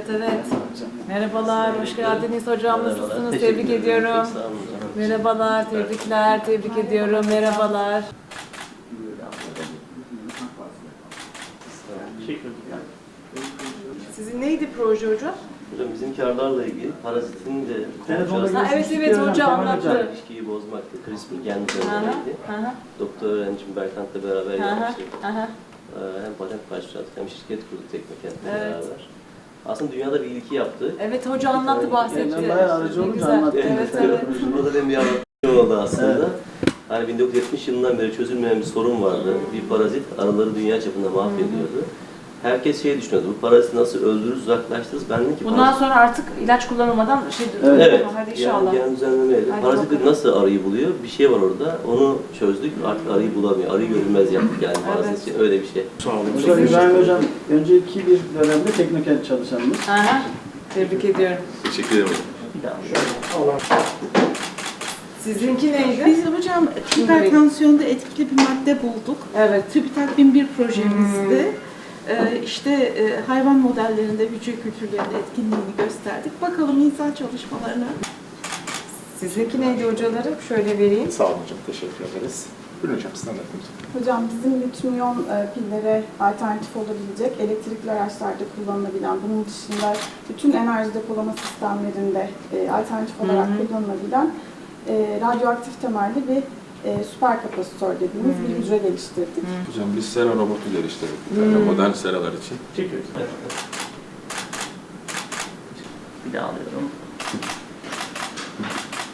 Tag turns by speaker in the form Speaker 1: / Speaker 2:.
Speaker 1: evet. Merhabalar, hoş geldiniz hocam. Nasılsınız? Tebrik ediyorum. Merhabalar, tebrikler, tebrik ediyorum. Merhabalar. Sizin neydi proje hocam?
Speaker 2: Hocam bizim karlarla ilgili parazitin de
Speaker 1: Evet hoca anlattı.
Speaker 2: ilişkiyi bozmaktı. CRISPR gen üzerineydi. Doktor öğrencim Berkant'la beraber yapmıştık. Hem patent başlattık hem şirket kurduk Teknokent'le beraber. Aslında dünyada bir ilki yaptı.
Speaker 1: Evet hoca anlattı, bahsetti.
Speaker 3: Bayağı aracı olunca anlattı.
Speaker 1: Evet.
Speaker 2: Burada benim bir anlatım oldu aslında. Hani 1970 yılından beri çözülmeyen bir sorun vardı. Bir parazit arıları dünya çapında mahvediyordu. Herkes şey düşünüyordu, bu paraziti nasıl öldürürüz, uzaklaştırırız. Ben dedim ki
Speaker 1: Bundan sonra artık ilaç kullanılmadan
Speaker 2: evet.
Speaker 1: Hadi inşallah.
Speaker 2: Yani gen düzenlemeyle. Parazit
Speaker 1: bakalım.
Speaker 2: nasıl arıyı buluyor? Bir şey var orada. Onu çözdük. Artık arıyı bulamıyor. Arıyı görünmez yaptık yani parazit için. Öyle bir şey.
Speaker 3: Sağ olun. Hocam İbrahim Hocam önceki bir dönemde Teknokent çalışanımız.
Speaker 1: Tebrik ediyorum.
Speaker 4: Teşekkür ederim.
Speaker 1: Sizinki neydi?
Speaker 5: Biz hocam hipertansiyonda etkili bir madde bulduk.
Speaker 1: Evet.
Speaker 5: TÜBİTAK 1001 projemizdi. Hayvan modellerinde hücre kültürlerinde etkinliğini gösterdik. Bakalım insan çalışmalarına.
Speaker 1: Sizinki neydi hocalarım? Şöyle vereyim.
Speaker 4: Sağ olun hocam. Teşekkür ederiz. Buyurun hocam sizden de
Speaker 6: Hocam bizim lityum-iyon pillere alternatif olabilecek elektrikli araçlarda kullanılabilen, bunun dışında bütün enerji depolama sistemlerinde alternatif olarak kullanılabilen radyoaktif temelli bir süper kapasitör dediğimiz bir hücre geliştirdik.
Speaker 4: Hocam biz sera robotu geliştirdik. Yani modern seralar için.
Speaker 3: Çekiyoruz. Bir daha alıyorum.